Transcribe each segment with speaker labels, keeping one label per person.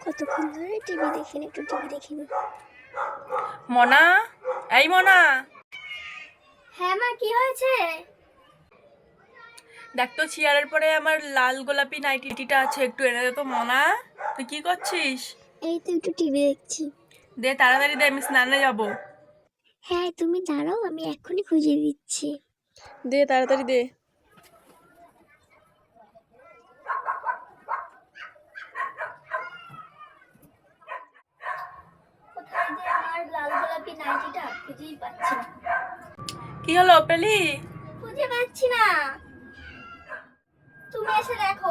Speaker 1: কতক্ষণ ধরে টিভি দেখিনি, একটু টিভি দেখিনি।
Speaker 2: মনা, এই মনা,
Speaker 1: হ্যাঁ মা, কি হয়েছে?
Speaker 2: দেখ তো চেয়ারের পরে আমার লাল গোলাপি নাইটিটা আছে, একটু এনে দে তো মনা। তুই কি করছিস?
Speaker 1: এই তো একটু টিভি দেখছি।
Speaker 2: দে তাড়াতাড়ি দে, আমি স্নানে যাব।
Speaker 1: হ্যাঁ তুমি দাঁড়াও, আমি এক্ষুনি খুঁজে দিচ্ছি।
Speaker 2: দে তাড়াতাড়ি দে।
Speaker 1: কোথায় যে আমার লাল গোলাপি নাইটিটা, খুঁজেই পাচ্ছি না।
Speaker 2: কি হলো পেলি?
Speaker 1: খুঁজে পাচ্ছি না, তুমি এসে দেখো।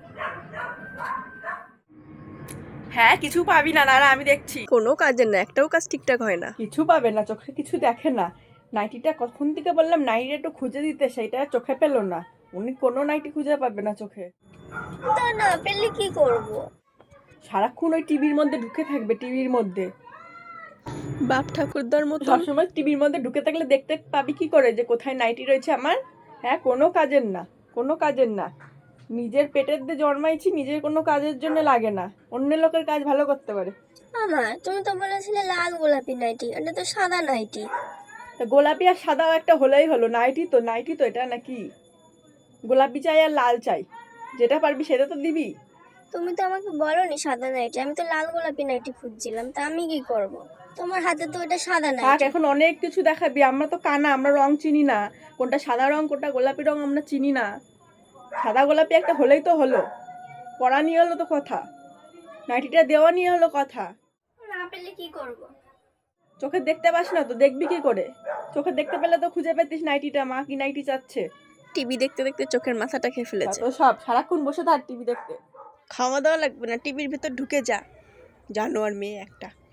Speaker 2: হ্যাঁ, কিছু পাবি না, না আমি দেখছি। কোনো কাজের না, একটাও কাজ ঠিকঠাক হয় না। কিছু পাবে না, চোখে কিছু দেখে না। নাইটিটা কখন থেকে বললাম নাইটিটা একটু খুঁজে দিতে, সেইটা চোখে পেলো না। উনি কোনো নাইটি খুঁজে পাবে না চোখে।
Speaker 1: তা না পেলে কি করব?
Speaker 2: সারাক্ষণ ওই টিভির মধ্যে ঢুকে থাকবে, টিভির মধ্যে বাপ ঠাকুরদার মতো সবসময় টিভির মধ্যে ঢুকে থাকলে দেখতে পাবি কি করে যে কোথায় নাইটি রয়েছে আমার? হ্যাঁ, কোনো কাজের না, কোনো কাজের না। নিজের পেটের দিয়ে জন্মাইছি, নিজের কোনো কাজের জন্য লাগে না, অন্য লোকের কাজ ভালো করতে পারে।
Speaker 1: আমার তুমি তো বলেছিলে লাল গোলাপি নাইটি, এটা তো সাদা নাইটি।
Speaker 2: তা গোলাপি আর সাদাও একটা হলেই হলো, নাইটি তো নাইটি তো এটা নাকি? গোলাপি চাই আর লাল চাই, যেটা পারবি সেটা তো দিবি।
Speaker 1: তুমি তো আমাকে বলোনি সাদা নাইটি, আমি তো লাল গোলাপি নাইটি খুঁজছিলাম, তা আমি কি করব? তোমার হাতে তো এটা সাদা
Speaker 2: থাক,
Speaker 1: নাইটি।
Speaker 2: এখন অনেক কিছু দেখাবি, আমরা তো কানা, আমরা রং চিনি না, কোনটা সাদা রং কোনটা গোলাপি রং আমরা চিনি না। সাদা গোলাপি একটা হলেই তো হলো, পরা নিয়ে হলো তো কথা, নাইটিটা দেওয়া নিয়ে হলো কথা।
Speaker 1: না পেলে কি করব?
Speaker 2: চোখে দেখতে পাস না তো দেখবি কি করে? চোখে দেখতে পেলে তো খুঁজে পেতিস নাইটিটা, মা কি নাইটি চাচ্ছে।
Speaker 3: টিভি দেখতে দেখতে চোখের মাথাটা খেয়ে ফেলেছে।
Speaker 2: তো সব সারাক্ষণ বসে থাক টিভি দেখতে।
Speaker 3: খাওয়া দাওয়া লাগবে না, টিভির ভেতর ঢুকে যা, জানোয়ার মেয়ে একটা।